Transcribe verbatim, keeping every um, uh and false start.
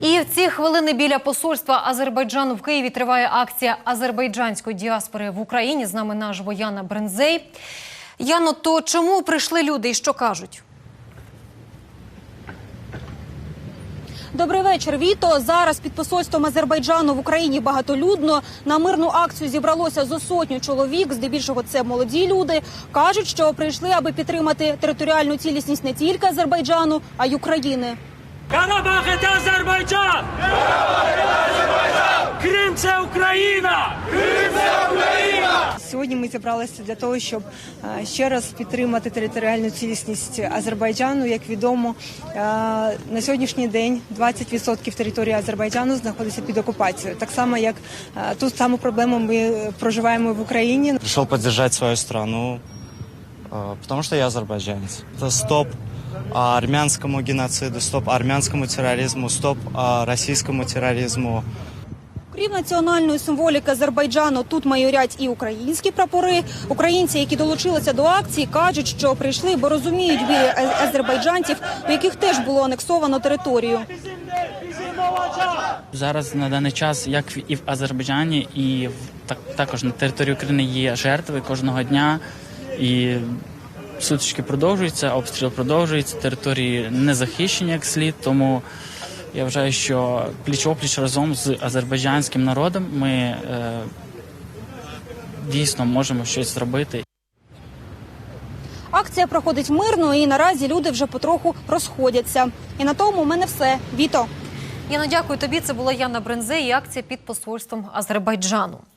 І в ці хвилини біля посольства Азербайджану в Києві триває акція азербайджанської діаспори в Україні. З нами наживо Яна Брензей. Яно, то чому прийшли люди і що кажуть? Добрий вечір, Віто. Зараз під посольством Азербайджану в Україні багатолюдно. На мирну акцію зібралося зо сотню чоловік, здебільшого це молоді люди. Кажуть, що прийшли, аби підтримати територіальну цілісність не тільки Азербайджану, а й України. Карабах – це Азербайджан! Карабах – це Азербайджан! Крим – це Україна! Крим – це Україна! Сьогодні ми зібралися для того, щоб ще раз підтримати територіальну цілісність Азербайджану. Як відомо, на сьогоднішній день двадцять відсотків території Азербайджану знаходиться під окупацією. Так само, як ту саму проблему ми проживаємо в Україні. Прийшов підтримати свою країну, тому що я азербайджанець. Це стоп армянському геноциду, стоп армянському тероризму, стоп російському тероризму. Крім національної символіки Азербайджану, тут майорять і українські прапори. Українці, які долучилися до акції, кажуть, що прийшли, бо розуміють біль азербайджанців, у яких теж було анексовано територію. Зараз на даний час, як і в Азербайджані, і в, так, також на території України є жертви кожного дня. І сутички продовжуються, обстріл продовжується, території не захищені як слід, тому я вважаю, що пліч-опліч разом з азербайджанським народом ми е, дійсно можемо щось зробити. Акція проходить мирно і наразі люди вже потроху розходяться. І на тому у мене все. Віто. Яно, дякую тобі. Це була Яна Брензей і акція під посольством Азербайджану.